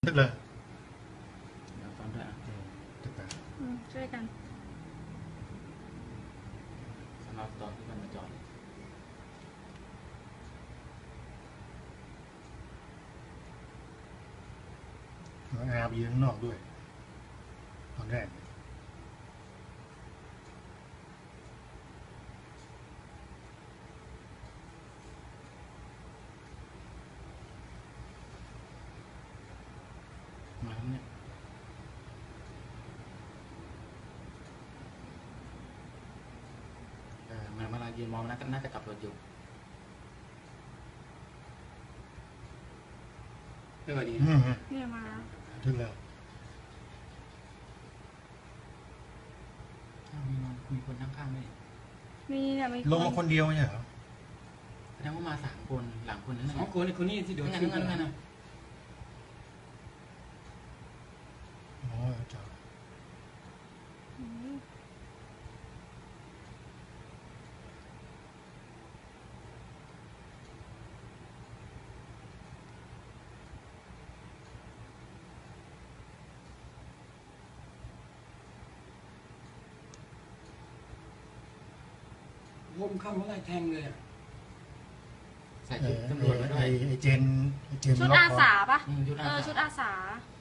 ตึกเลยเดี๋ยวฟังด้วยตึกเลยช่วยกันสำหรับตอนที่มันมาจอดอาร์บีข้างนอกด้วยตอนแรกมาแล้วเนี่ยมันมาลายืนมองน่าจะกลับรถอยู่ไม่ไหวดีเนี่ยมาแล้วถึงแล้วมีคนข้างๆไหมมีเนี่ยมีลงมาคนเดียวไม่ใช่เหรอแสดงว่ามา3 คนหลังคนนั้น 2 คนคนนี้ที่เดี๋ยวงั้นนะอ๋อจ้าล้มเข้ามาไล่แทงเลยใส่ชุดตำรวจมาด้วยไอเจนชุดอาสาปะชุดอาสาชุดอาสา